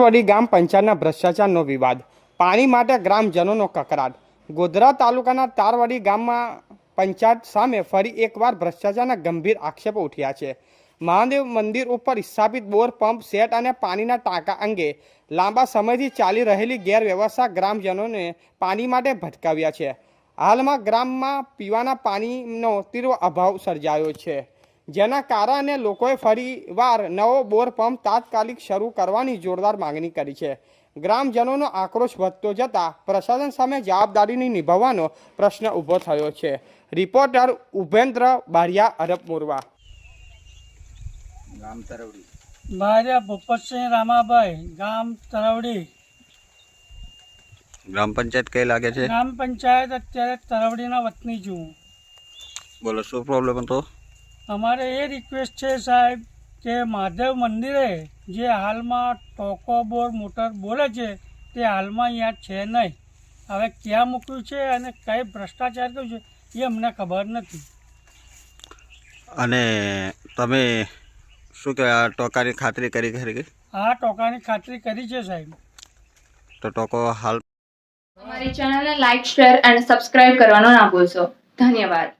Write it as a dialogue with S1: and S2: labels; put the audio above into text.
S1: તારવડી ગામ પંચાયતના ભ્રષ્ટાચારનો વિવાદ, પાણી માટે ગ્રામજનોનો કકરાટ। ગોધરા તાલુકાના તારવડી ગામમાં પંચાયત સામે ફરી એકવાર ભ્રષ્ટાચારના ગંભીર આક્ષેપો ઉઠ્યા છે। મહાદેવ મંદિર ઉપર સ્થાપિત બોર પંપ સેટ અને પાણીના ટાંકા અંગે લાંબા સમયથી ચાલી રહેલી ગેરવ્યવસ્થા ગ્રામજનોને પાણી માટે ભટકાવ્યા છે। હાલમાં ગામમાં પીવાના પાણીનો તીવ્ર અભાવ સર્જાયો છે, જેના કારણે લોકોએ ફરીવાર નવો બોર પંપ તાત્કાલિક શરૂ કરવાની જોરદાર માંગણી કરી છે। ગ્રામજનોનો આક્રોશ વધતો જતાં પ્રશાસન સામે જવાબદારી નિભાવવાનો પ્રશ્ન ઊભો થયો છે। રિપોર્ટર ઉપેન્દ્ર બારિયા, અરબ મોરવા,
S2: ગામ તરવડી।
S3: બારિયા ભૂપતસિંહ રામાભાઈ, ગામ તરવડી।
S2: ગ્રામ પંચાયત કઈ લાગે છે?
S3: ગ્રામ પંચાયત અત્યારે તરવડીના વતની છું।
S2: બોલો, શું પ્રોબ્લેમ હતો?
S3: અમારે એ રિક્વેસ્ટ છે સાહેબ કે મહાદેવ મંદિરે જે હાલમાં ટોકો બોર મોટર બોલે છે તે હાલમાં અહીંયા છે નહીં। હવે ક્યાં મૂક્યું છે અને કઈ ભ્રષ્ટાચાર કર્યું છે એ અમને ખબર નથી।
S2: અને તમે શું કે આ ટોકાની ખાતરી કરી ખરી?
S3: આ ટોકાની ખાતરી કરી છે સાહેબ।
S2: તો ટોકો હાલ
S4: हमारी चैनल ने लाइक, शेयर एंड सब्सक्राइब करवाना ना भूलशो। धन्यवाद।